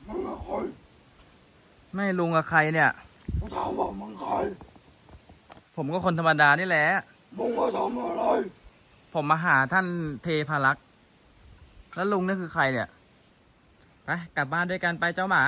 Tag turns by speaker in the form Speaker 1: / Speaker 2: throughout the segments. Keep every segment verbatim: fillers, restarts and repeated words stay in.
Speaker 1: มึงใคร
Speaker 2: ไม่ลุงกับใครเนี่ย
Speaker 1: กูถามว่ามึงใคร
Speaker 2: ผมก็คนธรรมดานี่แหละ
Speaker 1: มึงมาทำอะไร
Speaker 2: ผมมาหาท่านเทพารักษ์แล้วลุงนี่คือใครเนี่ยไปกลับบ้านด้วยกันไปเจ้าหมา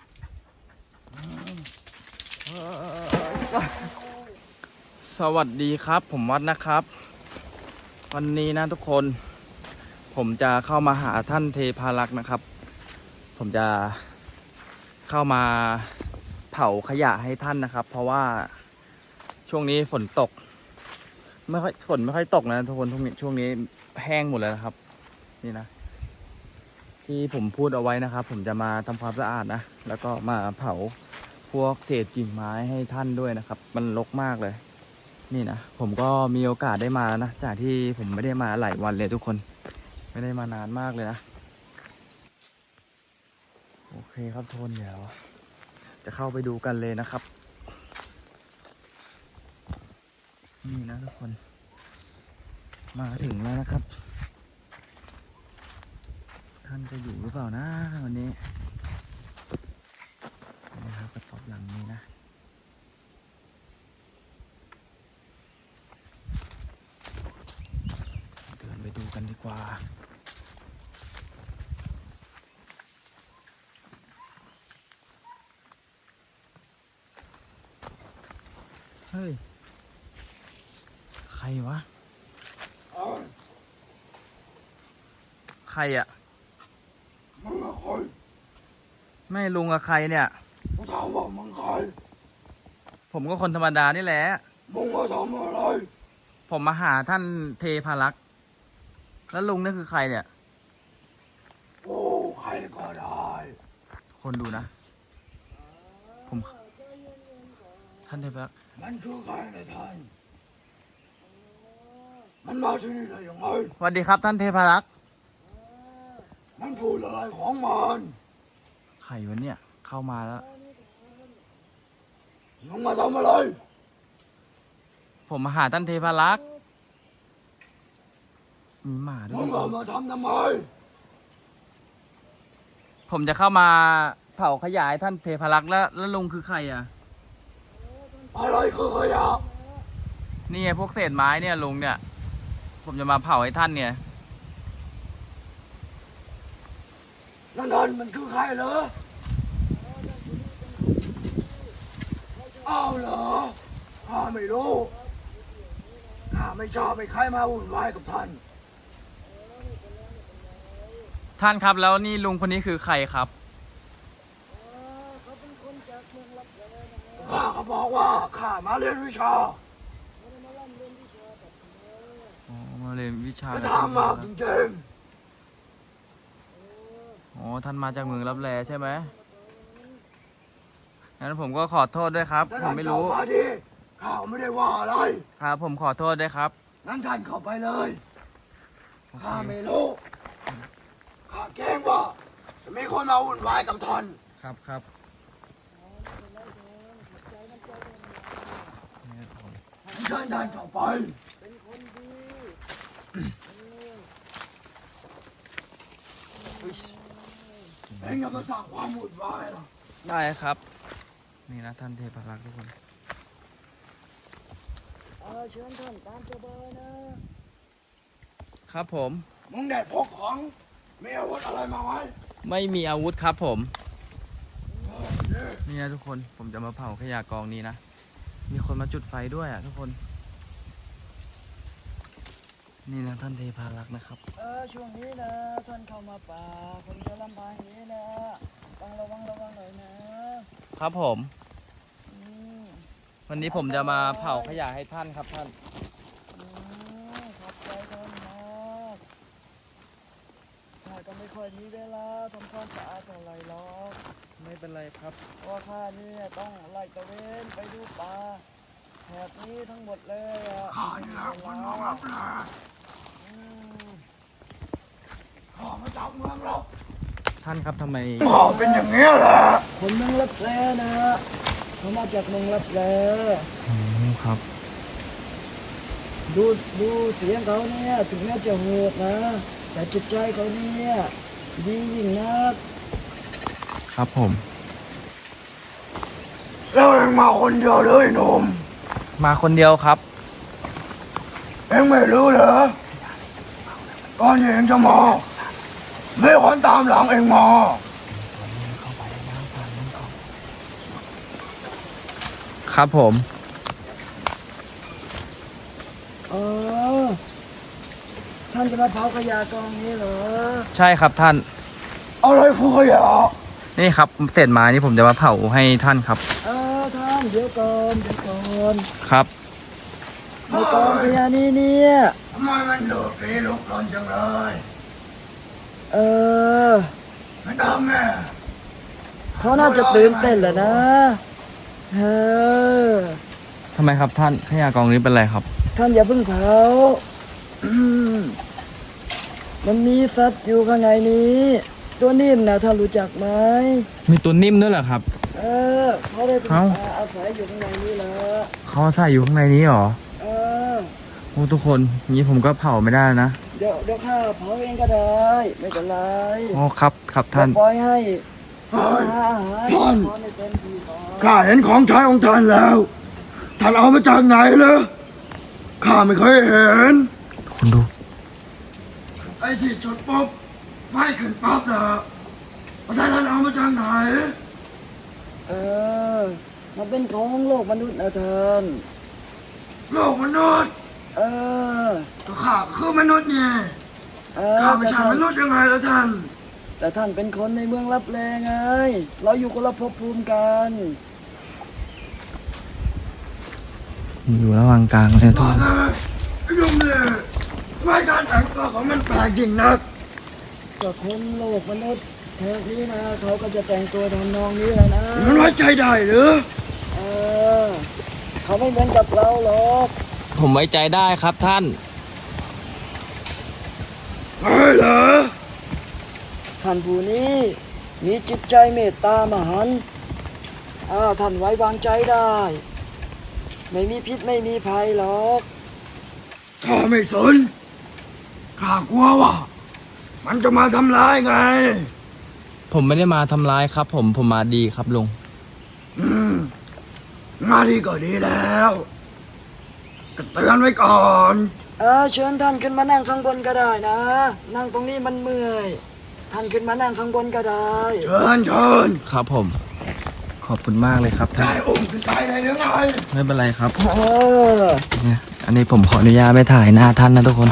Speaker 2: สวัสดีครับผมวัดนะครับ วันนี้นะทุกคนผมจะเข้ามาหาท่านเทพารักษ์นะครับผมจะเข้ามาเผาขยะให้ท่านนะครับ เพราะว่าช่วงนี้ฝนตกไม่ค่อยฝนไม่ค่อยตกนะทุกคนช่วงนี้แห้งหมดเลยนะครับนี่นะที่ผมพูดเอาไว้นะครับผมจะมาทำความสะอาดนะแล้วก็มาเผาพวกเศษกิ่งไม้ให้ท่านด้วยนะครับมันรกมากเลยนี่นะผมก็มีโอกาสได้มานะจากที่ผมไม่ได้มาหลายวันเลยทุกคนไม่ได้มานานมากเลยนะโอเคครับทุกคนเดี๋ยวจะเข้าไปดูกันเลยนะครับนี่นะทุกคนมาถึงแล้วนะครับท่านจะอยู่หรือเปล่านะวันนี้นี่ครับกระต๊อบหลังนี้นะเดินไปดูกันดีกว่าเฮ้ยใครวะใครอ่ะ
Speaker 1: มึงใคร
Speaker 2: ไม่ลุงกับใครเนี่ย
Speaker 1: กูถามว่ามึงใคร
Speaker 2: ผมก็คนธรรมดานี่แหละ
Speaker 1: มึงมาทำอะไร
Speaker 2: ผมมาหาท่านเทพารักษ์แล้วลุงนี่คือใครเนี่ย
Speaker 1: โอ้ใครก็ได้
Speaker 2: คนดูนะผมท่านเทพารักษ์
Speaker 1: มันคือใครนะท่านมันมาที่นี่ได้ยังไง
Speaker 2: สวัสดีครับท่านเทพารักษ์
Speaker 1: มันพูดอะไรของมัน
Speaker 2: ใครวะเนี่ยเข้ามาแล้ว
Speaker 1: มึงมาทำอะไร
Speaker 2: ผมมาหาท่านเทพารักษ์มีหมาด้วย
Speaker 1: มึงมาทำทำไม
Speaker 2: ผมจะเข้ามาเผาขยายท่านเทพารักษ์แล้วแล้วลุงคือใครอ่ะ
Speaker 1: อะไรคือขยะ
Speaker 2: นี่ไงพวกเศษไม้เนี่ยลุงเนี่ยผมจะมาเผาให้ท่านเนี่ย
Speaker 1: นั่นนั่นมันคือใครเหรออ้าวเหรอข้าไม่รู้ข้าไม่ชอบให้ใครมาวุ่นวายกับท่าน
Speaker 2: ท่านครับแล้วนี่ลุงคนนี้คือใครครับ
Speaker 1: ข้าก็บอกว่าข้ามาเรียนวิชา
Speaker 2: อ๋อมาเรียนวิชา
Speaker 1: ไปทำมากจริง
Speaker 2: ๆอ๋อท่านมาจากเมืองลับแลใช่ไหมงั้นผมก็ขอโทษด้วยครับผมไม่รู้
Speaker 1: มาดิข้าไม่ได้ว่าอะไร
Speaker 2: ครับผมขอโทษด้วยครับ
Speaker 1: งั้นท่านเข้าไปเลยข้าไม่รู้ข้าเกรงว่าจะมีคนมาวุ่นวายกับท่าน
Speaker 2: ครับครับ
Speaker 1: เชิญท่านเข้าไปเองอย่ามาสร้างความวุ่นวายหรอก
Speaker 2: ได้ครับนี่นะท่านเทพารักษ์ทุกคน
Speaker 1: เชิญท่านตามสบายนะครับ
Speaker 2: ผม
Speaker 1: มึงได้พกของมีอาวุธอะไรมาไหม
Speaker 2: ไม่มีอาวุธครับผมนี่นะทุกคนผมจะมาเผาขยะกองนี้นะมีคนมาจุดไฟด้วยอ่ะทุกคนนี่นะท่านเทพารักษ์นะครับ
Speaker 3: เออช่วงนี้นะท่านเข้ามาป่าคนจะลำบากนี้นะต้องระวังระวังหน่อยนะครับ
Speaker 2: ผมวันนี้ผมจะมาเผาขยะให้ท่านครับท่าน
Speaker 3: ขอบใจท่านมากข้าก็ไม่ค่อยมีเวลาทำความสะอาดเท่าไหร่หรอก
Speaker 2: ไม่เป็นไรครับ
Speaker 3: เพราะข้านี่ต้องไล่ตะเวนไปดูป่าแถบนี้ทั้งหมดเลยอ่ะ
Speaker 1: ข้านี่แหละคนน้องรับแลข้ามาจากเมืองเรา
Speaker 2: ท่านครับทำไม
Speaker 1: ข้าเป็นอย่างนี้แหละ
Speaker 3: คนเมืองลับแลนะเขามาจากเมืองลับแล
Speaker 2: อืมครับ
Speaker 3: ดูดูเสียงเขาเนี่ยถึงแม้จะโหดนะแต่จิตใจเขาเนี่ยดียิ่งนัก
Speaker 2: ครับผม
Speaker 1: แล้วเองมาคนเดียวเลยหนุ่ม
Speaker 2: มาคนเดียวครับ
Speaker 1: เองไม่รู้เหรอก่อนที่เองจะมามีคนตามหลังเองมา
Speaker 2: ครับผม
Speaker 3: เออท่านจะมาเผาขยะกองนี้เหรอ
Speaker 2: ใช่ครับท่าน
Speaker 1: อะไรผู้ขยะ
Speaker 2: นี่ครับเศษไม้นี่ผมจะมาเผาให้ท่านครับ
Speaker 3: เออท่านเดี๋ยวก่อนเดี๋ยวก่อน
Speaker 2: ครับ
Speaker 3: ในกองขยะนี้เนี่ย
Speaker 1: ทำไมมันเหลือปีลุกนอนจังเลย
Speaker 3: เออ
Speaker 1: ไม่ทำแม่
Speaker 3: เขาน่าจะตื่นเต้นแหละนะเออ
Speaker 2: ทำไมครับท่านขยะกองนี้เป็นไรครับ
Speaker 3: ท่านอย่าเพิ่งเผาอืมมันมีสัตว์อยู่ข้างในนี้ ตัวนิ่มนะท่านรู้จักไหม
Speaker 2: มีตัวนิ่มด้วยเหรอครับ
Speaker 3: เออเขาได้เป็น
Speaker 2: เอ้า
Speaker 3: อาศัยอยู่ข้างในนี้แหละ
Speaker 2: เขาใส่อยู่ข้างในนี้เหรอ
Speaker 3: เออ
Speaker 2: โอ้ทุกคนงี้ผมก็เผาไม่ได้นะ
Speaker 3: เดี๋ยวเดี๋ยวข้าเผาเองก็ได้ ไม่เป็นไร
Speaker 2: อ๋อครับครับท่าน
Speaker 3: เดี๋ยวปล่อยให้
Speaker 1: เฮ้ย
Speaker 3: หาอาหาร
Speaker 1: ท่าน
Speaker 3: ขอในเต็มที่ก่อน
Speaker 1: ข้าเห็นของใช้ของท่านแล้ว ท่านเอามาจากไหนเหรอข้าไม่เคยเห็น
Speaker 2: คุณดู
Speaker 1: ไอ้ที่จุดปุ๊บไฟขึ้นปั๊บนะท่านท่านเอามาจากไหน
Speaker 3: เออมันเป็นของโลกมนุษย์นะท่าน
Speaker 1: โลกมนุษย์
Speaker 3: เออ
Speaker 1: ก็ข้าก็คือมนุษย์เนี่ย
Speaker 3: เออ
Speaker 1: ข้าไม่
Speaker 3: แต่
Speaker 1: ใช่
Speaker 3: ท่าน
Speaker 1: มนุษย์ยังไงล่ะท่าน
Speaker 3: แต่ท่านเป็นคนในเมืองลับแลไง เราอยู่คนละภพภูมิกัน
Speaker 2: อยู่ระหว่างกลางเลยทุก
Speaker 1: ว่า
Speaker 2: คน
Speaker 1: ไงไอ้หนุ่มเนี่ยทำไมการแต่งตัวของมันแปลกจริงนัก
Speaker 3: ก็คนโลกมนุษย์แถวนี้นะเขาก็จะแต่งตัวทำนองนี้แหละนะ
Speaker 1: มันไว้ใจได้หรือ
Speaker 3: เออเขาไม่เหมือนกับเราหรอก
Speaker 2: ผมไว้ใจได้ครับท่าน
Speaker 1: เฮ้ยเหรอ
Speaker 3: ท่านผู้นี้มีจิตใจเมตตามหันต์อ่าท่านไว้วางใจได้ ไม่มีพิษไม่มีภัยหรอก
Speaker 1: ข้าไม่สนข้ากลัวว่ามันจะมาทำร้ายไง
Speaker 2: ผมไม่ได้มาทำร้ายครับ ผมผมมาดีครับลุง
Speaker 1: อืมมาดีก็ดีแล้วก็เตือนไว้ก่อน
Speaker 3: เออเชิญท่านขึ้นมานั่งข้างบนก็ได้นะ นั่งตรงนี้มันเมื่อย ท่านขึ้นมานั่งข้างบนก็ได้
Speaker 1: เชิญเชิญ
Speaker 2: ครับผม ขอบคุณมากเลยครับท่า
Speaker 1: ได้
Speaker 2: น
Speaker 1: อุ้มขึ้นไปเลยหรือไง
Speaker 2: ไม่เป็นไรครับ
Speaker 3: เออ
Speaker 2: เนี่ยอันนี้ผมขออนุญาตไม่ถ่ายหน้าท่านนะทุกคน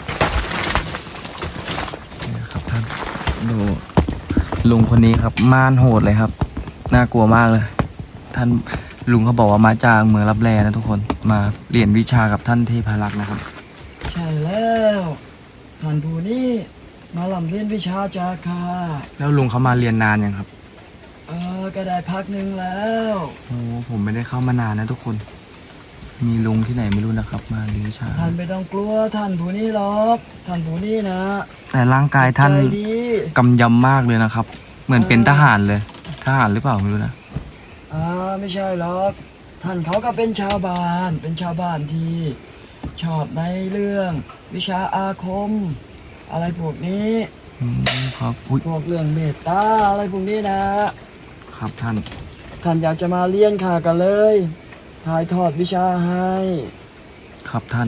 Speaker 2: นี่ครับท่านดูลุงคนนี้ครับม่านโหดเลยครับน่ากลัวมากเลย ท่านลุงเขาบอกว่ามาจากเมืองรับแลนะทุกคนมาเรียนวิชากับท่านเทพารักษ์นะครับ
Speaker 3: ใช่แล้วท่านผู้นี้มาลำเรียนวิชาจาคา
Speaker 2: แล้วลุงเขามาเรียนนานยังครับ
Speaker 3: เออก็ได้พักหนึ่งแล้ว
Speaker 2: โอ้ผมไม่ได้เข้ามานานนะทุกคน มีลุงที่ไหนไม่รู้นะครับ มาเรียนวิชา
Speaker 3: ท่านไม่ต้องกลัวท่านผู้นี้หรอกท่านผู้นี้นะ
Speaker 2: แต่ร่างกายท่าน
Speaker 3: ใจดี
Speaker 2: กำยำมากเลยนะครับ เหมือนเป็นทหารเลย ทหารหรือเปล่าไม่รู้นะ
Speaker 3: อ่าไม่ใช่หรอกท่านเขาก็เป็นชาวบ้านเป็นชาวบ้านที่ชอบในเรื่องวิชาอาคม อะไรพวกนี้
Speaker 2: อืมครับอุ้ย
Speaker 3: พวกเรื่องเมตตาอะไรพวกนี้นะครับ
Speaker 2: ท่าน
Speaker 3: ท่านอยากจะมาเรียนข่ากันเลยถ่ายทอดวิชาให้
Speaker 2: ครับท่าน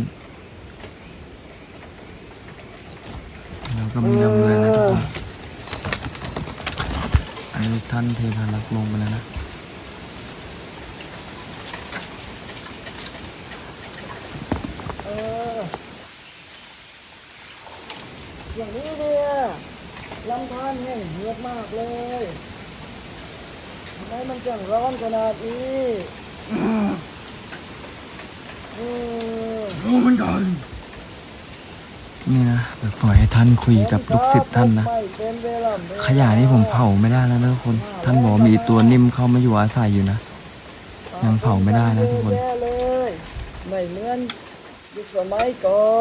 Speaker 2: แล้วก็มียำเลยนะทุกคนอันนี้ท่านเทพารักษ์ลงไปแล้วนะ
Speaker 3: เอออย่างนี้เนี่ยลำธารแห้งเหือดมากเลยทำไมมันจังร้อนขนาดนี้เออ
Speaker 1: รู้เหมือนกัน
Speaker 2: นี่นะเดี๋ยวปล่อยให้ท่านคุยกับลูกศิษย์ท่านนะ
Speaker 3: ไม่เป็นเวลาเวลา
Speaker 2: ขยะนี่ผมเผาไม่ได้แล้วนะทุกคน ท่านบอกว่ามีตัวนิ่มเข้ามาอยู่อาศัยอยู่นะ ยังเผาไม่ได้นะทุกคน
Speaker 3: แย่เลยไม่เหมือนยุคสมัยก่อน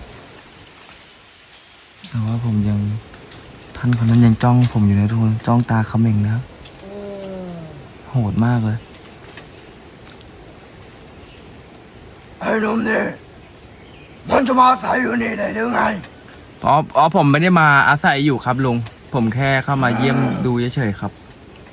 Speaker 2: แต่ว่าผมยังท่านคนนั้นยังจ้องผมอยู่นะทุกคนจ้องตาเขม่งนะครับ
Speaker 3: อืม
Speaker 2: โหดมากเลย
Speaker 1: ไอ้หนุ่มนี่มันจะมาอาศัยอยู่นี่ได้หรือไง
Speaker 2: อ๋ออ๋อผมไม่ได้มาอาศัยอยู่ครับลุง ผมแค่เข้ามาเยี่ยมดูเฉยๆครับ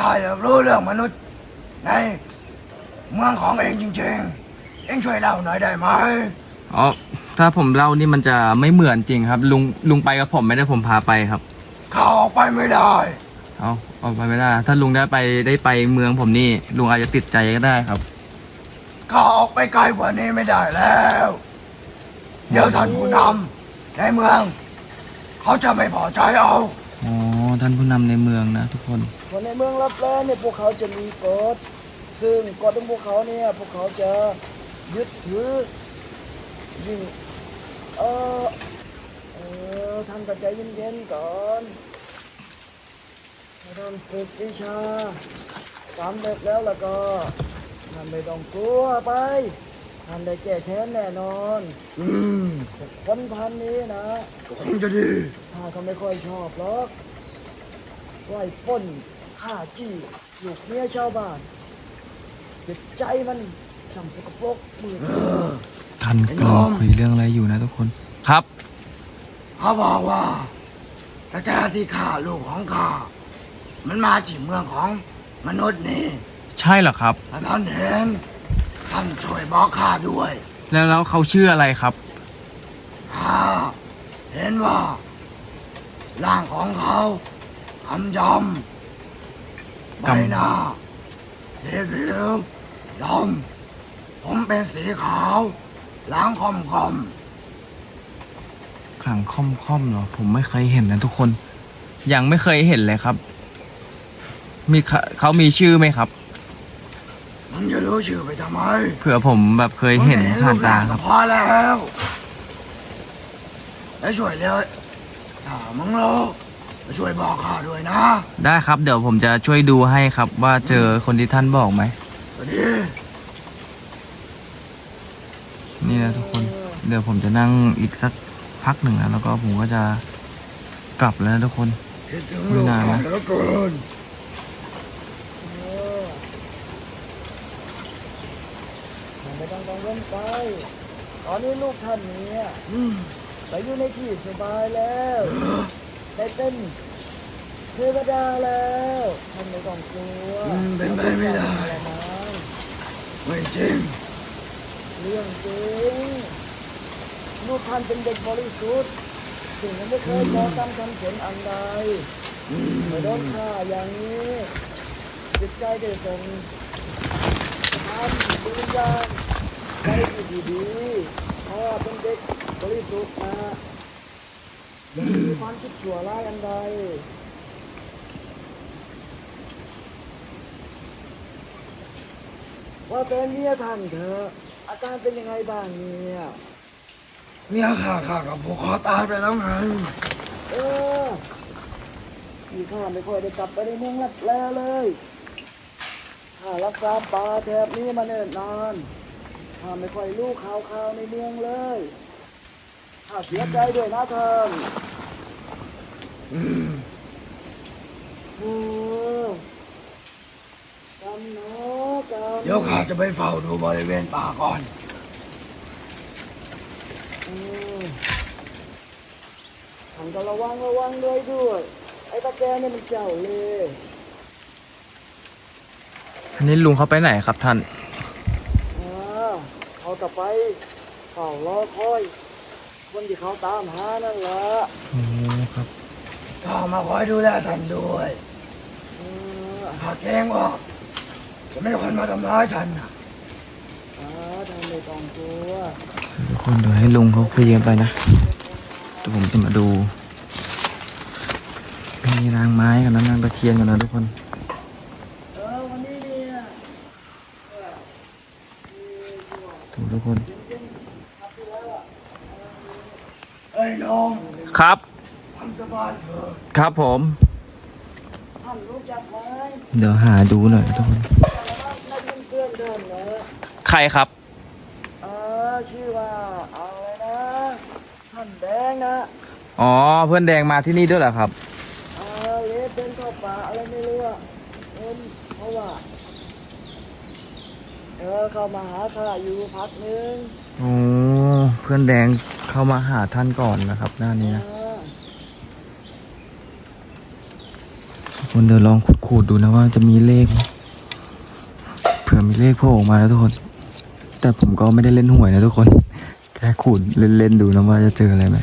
Speaker 1: ข้าอยากรู้เรื่องมนุษย์ในเมืองของเองจริงๆ เองช่วยเล่าหน่อยได้ไหม
Speaker 2: อ๋อถ้าผมเล่านี่มันจะไม่เหมือนจริงครับ ลุงลุงไปกับผมไม่ได้ผมพาไปครับ
Speaker 1: ข้าออกไปไม่ได้
Speaker 2: เอาเอาไปไม่ได้ ถ้าลุงได้ไปได้ไปเมืองผมนี่ลุงอาจจะติดใจก็ได้ครับ
Speaker 1: ข้าออกไปไกลกว่านี้ไม่ได้แล้ว เดี๋ยวท่านผู้นำในเมือง เขาจะไม่พอใจเอา
Speaker 2: อ๋อท่านผู้นำในเมืองนะทุกคน
Speaker 3: คนในเมืองรับแลเนี่ยพวกเขาจะมีกฎซึ่งกฎของพวกเขาเนี่ยพวกเขาจะยึดถือยิ่งเออเออท่านก็ใจเย็นๆก่อนถ้าท่านฝึกวิชาสำเร็จแล้วแล้วก็ท่านไม่ต้องกลัวไปท่านได้แก้แค้นแน่นอน
Speaker 1: อืม
Speaker 3: แต่คนพันนี้นะ
Speaker 1: ก็คงจะดี
Speaker 3: ข้าก็ไม่ค่อยชอบหรอกว่าไอ้ปล้นฆ่าจี้ลูกเมียชาวบ้านจิตใจมันช่างสกปรกมืด
Speaker 2: ท่านกำลังคุยเรื่องอะไรอยู่นะทุกคน ครับ
Speaker 1: เขาบอกว่าตะแกที่ฆ่าลูกของข้ามันมาที่เมืองของมนุษย์นี่
Speaker 2: ใช่เหรอครับ
Speaker 1: ถ้าท่านเห็นท่านช่วยบอกข้าด้วย
Speaker 2: แล้วแล้วเขาชื่ออะไรครับ
Speaker 1: ข้าเห็นว่าร่างของเขาคำยำใบหน้าสีผิวดำผมเป็นสีขาวหล้างคอมคอม
Speaker 2: ขลังค่อมค่อมๆเหรอ ผมไม่เคยเห็นนะทุกคน ยังไม่เคยเห็นเลยครับ มีเขาเขามีชื่อไหมครับ
Speaker 1: มึงจะรู้ชื่อไปทำไม
Speaker 2: เผื่อผมแบบเคยเห็นผ่านตาครับ
Speaker 1: พอแล้วแล้วช่วยเร็วถ้ามึงรู้ช่วยบอกข้าด้วยนะ
Speaker 2: ได้ครับ เดี๋ยวผมจะช่วยดูให้ครับ ว่าเจอคนที่ท่านบอกไหม
Speaker 1: สวัสดี
Speaker 2: นี่นะทุกคน เดี๋ยวผมจะนั่งอีกสักพักหนึ่งนะแล้วก็ผมก็จะกลับแล้วนะทุกคน
Speaker 1: คิดถึงลูกข้าเหลือเกิน
Speaker 3: เออท่านไม่ต้องกังวลไปตอนนี้ลูกท่านเนี่ย
Speaker 1: อืม
Speaker 3: ไปอยู่ในที่สบายแล้วได้เป็นเทวดาแล้วท่านไม่ต้องกลัว
Speaker 1: อืมเป็นไปไม่ได้
Speaker 3: อะไรนะ
Speaker 1: ไม่จริง
Speaker 3: เรื่องจริงลูกท่านเป็นเด็กบริสุทธิ์ถึงยังไม่เคยก่อกรรมทำเขียนอันใด
Speaker 1: อืม
Speaker 3: ไม่โดนฆ่าอย่างนี้จิตใจได้ส่งทำดวงวิญญาณใจที่ดีๆเพราะว่าเป็นเด็กบริสุทธิ์นะไม่มีความคิดชั่วร้ายอันใดว่าเป็นเมียท่านเถอะอาการเป็นยังไงบ้างเนี่ย
Speaker 1: เมียข้าข้ากับผูกคอตายไปแล้วไง
Speaker 3: เออพี่ข้าไม่ค่อยได้กลับไปในเมืองลับแลเลยข้ารักษาป่าแถบนี้มาเนิ่นนานข้าไม่ค่อยรู้ข่าวข่าวในเมืองเลยข้าเสียใจด้วยนะท่าน
Speaker 1: อืม
Speaker 3: โอ้กำเนาะกำ
Speaker 1: เดี๋ยวข้าจะไปเฝ้าดูบริเวณป่าก่อน
Speaker 3: เออท่านก็ระวังระวังด้วยด้วยไอ้ตาแกเนี่ยมันเจ้าเลย
Speaker 2: อันนี้ลุงเขาไปไหนครับท่าน
Speaker 3: อ่าเขาจะไปเฝ้ารอคอยคนที่เขาตามหานั่นแหละ
Speaker 2: โอ้ครับ
Speaker 1: ข้ามาคอยดูแลท่านด้วย
Speaker 3: เออ
Speaker 1: ข้าเกรงว่าจะไม่มีคนมาทำร้ายท่านนะ
Speaker 3: อ่าท่านไม่ต้องกลัว
Speaker 2: ทุกคนเดี๋ยวให้ลุงเขาคุยกันไปนะเดี๋ยวผมจะมาดูมีนางไม้กับนางตะเคียนกันนะทุกคน
Speaker 3: เออวันนี้เนี่ย
Speaker 2: ดูทุกคน
Speaker 1: เอ้ยน้อง
Speaker 2: ครับ
Speaker 1: ทำสบายเถอะ
Speaker 2: ครับผม
Speaker 3: ท่านรู้จักไหม
Speaker 2: เดี๋ยวหาดูหน่อยนะทุกคน
Speaker 3: นักเพื่อนเดินนะ
Speaker 2: ใครครับ
Speaker 3: เออชื่อว่าเอาเลยนะท่านแดงนะ
Speaker 2: อ๋อ เพื่อนแดงมาที่นี่ด้วยเหรอครับ
Speaker 3: เออเลสเป็นเข้าป่าอะไรไม่รู้อะเอ็นเพราะว่าเออเข้ามาหาข้าอยู่พักนึง
Speaker 2: อ๋อ เพื่อนแดงเข้ามาหาท่านก่อนนะครับ หน้านี้นะ
Speaker 3: เออ
Speaker 2: ทุกคนเดี๋ยวลองขุดคุขูดดูนะว่าจะมีเลขไหมเผื่อมีเลขโผล่ออกมาแล้วทุกคน แต่ผมก็ไม่ได้เล่นหวยนะทุกคนแค่ขูดเล่นๆดูนะว่าจะเจออะไรไหม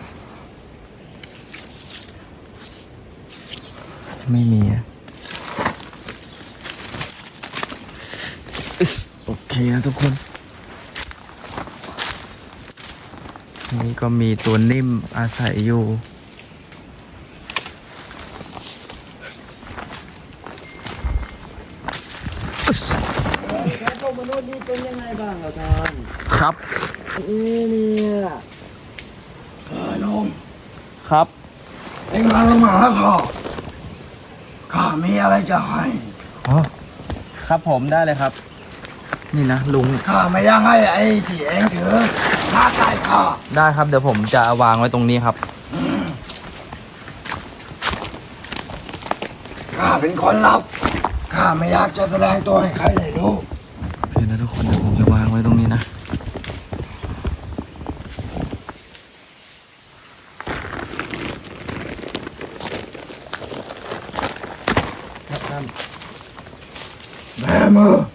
Speaker 2: ไม่มีอะอิ๊สโอเคนะทุกคนนี่ก็มีตัวนิ่มอาศัยอยู่อิ๊ส
Speaker 3: แล้วพวกมนุษย์นี่เป็นยังไงบ้างเหรอท่าน
Speaker 2: ครับ
Speaker 3: เอ๊ะเนี่ย
Speaker 1: เออหนุ่ม
Speaker 2: ครับ
Speaker 1: เอ็งมาลงมาหาข้าข้ามีอะไรจะให้
Speaker 2: อ๋อครับผมได้เลยครับ นี่นะลุง
Speaker 1: ข้าไม่อยากให้ไอ้ที่เอ็งถือมาใกล้ข้า
Speaker 2: ได้ครับเดี๋ยวผมจะวางไว้ตรงนี้ครับ
Speaker 1: ข้าเป็นคนลับข้าไม่อยากจะแสดงตัวให้ใครได้รู้
Speaker 2: เดี๋ยวนะทุกคนเดี๋ยวผมจะวางไว้ตรงนี้นะ ครับท่าน
Speaker 1: แม่มือ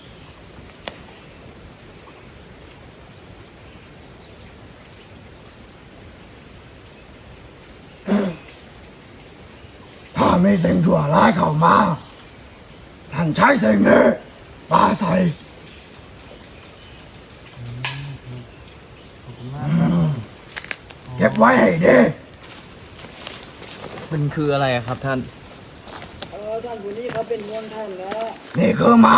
Speaker 1: ถ้ามีสิ่งชั่วร้ายเข้ามา ท่านใช้สิ่งนี้ปาใส่เก็บไว้ให้ดี
Speaker 2: มันคืออะไรอะครับท่าน
Speaker 3: เออท่านผู้นี้เขาเป็นมวลท่านแล้ว
Speaker 1: นี่คือไม้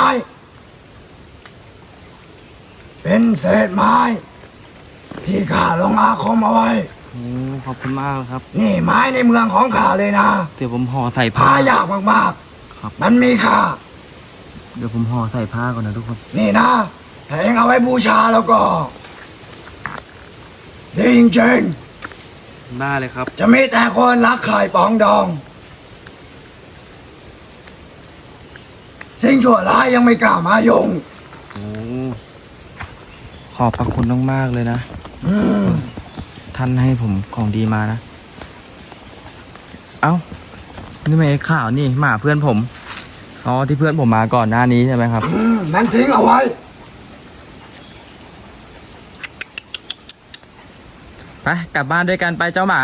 Speaker 1: เป็นเศษไม้ ที่ข้าลงอาคมเอาไว้
Speaker 2: โอ้ขอบคุณมากครับ
Speaker 1: นี่ไม้ในเมืองของข้าเลยนะ
Speaker 2: เดี๋ยวผมห่อใส่ผ้า
Speaker 1: หายากมาก
Speaker 2: ครับ
Speaker 1: ๆ มันมีค่า
Speaker 2: เดี๋ยวผมห่อใส่ผ้าก่อนนะทุกคน
Speaker 1: นี่นะ ถ้าเองเอาไว้บูชาแล้วก็ดีจริง
Speaker 2: ได้เลยครับ
Speaker 1: ๆ จะมีแต่คนรักไข่ปองดอง สิ่งชั่วร้ายยังไม่กล้ามายุ่ง
Speaker 2: โอ้ขอบพระคุณมากๆเลยนะ
Speaker 1: อืม
Speaker 2: ท่านให้ผมของดีมานะ เอ้า นี่ไม่ข่าวนี่หมาเพื่อนผม อ๋อที่เพื่อนผมมาก่อนหน้านี้ใช่ไหมครับ
Speaker 1: อืมมันทิ้งเอาไว้
Speaker 2: ไปกลับบ้านด้วยกันไปเจ้าหมา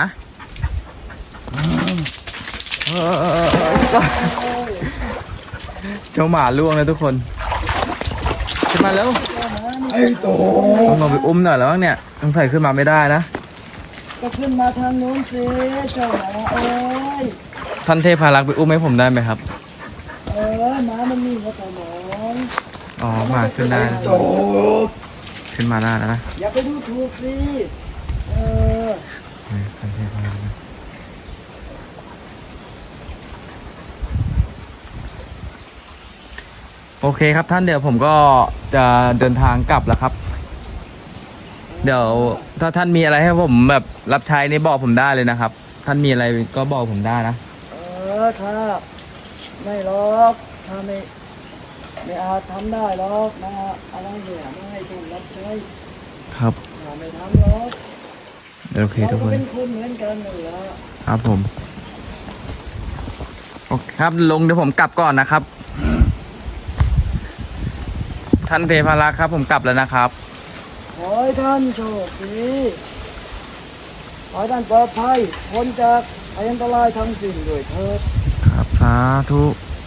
Speaker 2: เจ้าหมาล่วงเลยทุกคนขึ้นมาแล้ว
Speaker 1: ไอ้โต
Speaker 2: ต้องลงไปอุ้มหน่อยแล้วมั้งเนี่ยต้องใส่ขึ้นมาไม่ได้นะ
Speaker 3: ก็ขึ้นมาทางนู้นสิเจ้าหมาเอ้ย
Speaker 2: ท่านเทพารักษ์ไปอุ้มให้ผมได้ไหมครับ
Speaker 3: เออหมามันมีหัวสมอง
Speaker 2: อ๋อหมาขึ้นได้นะ
Speaker 1: โต
Speaker 2: ขึ้นมาได้แล้วนะ
Speaker 3: อย่าไปดูถูกสิเออ
Speaker 2: ท่านเทพารักษ์นะโอเคครับท่านเดี๋ยวผมก็จะเดินทางกลับแล้วครับ เดี๋ยวถ้าท่านมีอะไรให้ผมแบบรับใช้นี่บอกผมได้เลยนะครับ ท่านมีอะไรก็บอกผมได้นะ
Speaker 3: เออถ้าไม่หรอกถ้าไม่ไม่อาจทำได้หรอกนะอะไรเนี่ยไม่ให้ถูกรับใช้
Speaker 2: ครับ
Speaker 3: ถ้าไม่ทำหรอก
Speaker 2: โอเค
Speaker 3: เรา
Speaker 2: ทุก
Speaker 3: ก็
Speaker 2: คน
Speaker 3: เป็นคนเหมือนกันนั่นแหละ
Speaker 2: ครับผมโอเคครับลงเดี๋ยวผมกลับก่อนนะครับ ท่านเทพารักษ์ครับ ผมกลับแล้วนะครับ
Speaker 3: ขอให้ท่านโชคดีขอให้ท่านปลอดภัยพ้นจากภัยอันตรายทั้งสิ้นด้วยเถิด
Speaker 2: ครับสาธุ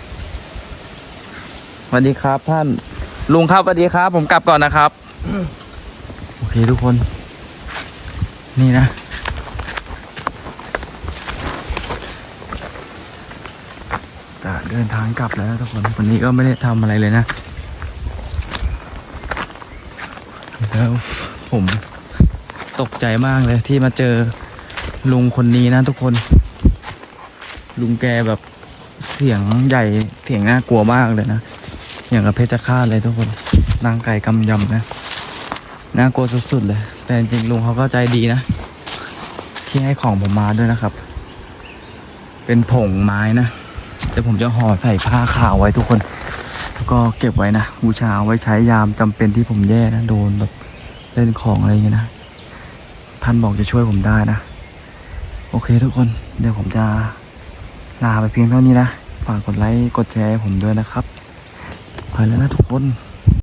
Speaker 2: สวัสดีครับท่านลุงครับสวัสดีครับ ผมกลับก่อนนะครับโอเคทุกคน นี่นะจะเดินทางกลับแล้วนะทุกคนวันนี้ก็ไม่ได้ทำอะไรเลยนะแล้วผมตกใจมากเลยที่มาเจอลุงคนนี้นะทุกคน ลุงแกแบบเสียงใหญ่เสียงน่ากลัวมากเลยนะอย่างกับเพชฌฆาตเลยทุกคนนางไก่กำยำนะน่ากลัวสุดๆเลยแต่จริงๆลุงเขาก็ใจดีนะที่ให้ของผมมาด้วยนะครับ เป็นผงไม้นะแต่ผมจะห่อใส่ผ้าขาวไว้ทุกคนแล้วก็เก็บไว้นะบูชาไว้ใช้ยามจำเป็นที่ผมแย่นะโดนแบบเล่นของอะไรอย่างเงี้ยนะท่านบอกจะช่วยผมได้นะโอเคทุกคนเดี๋ยวผมจะลาไปเพียงเท่านี้นะฝากกดไลค์กดแชร์ให้ผมด้วยนะครับไปแล้วนะทุกคน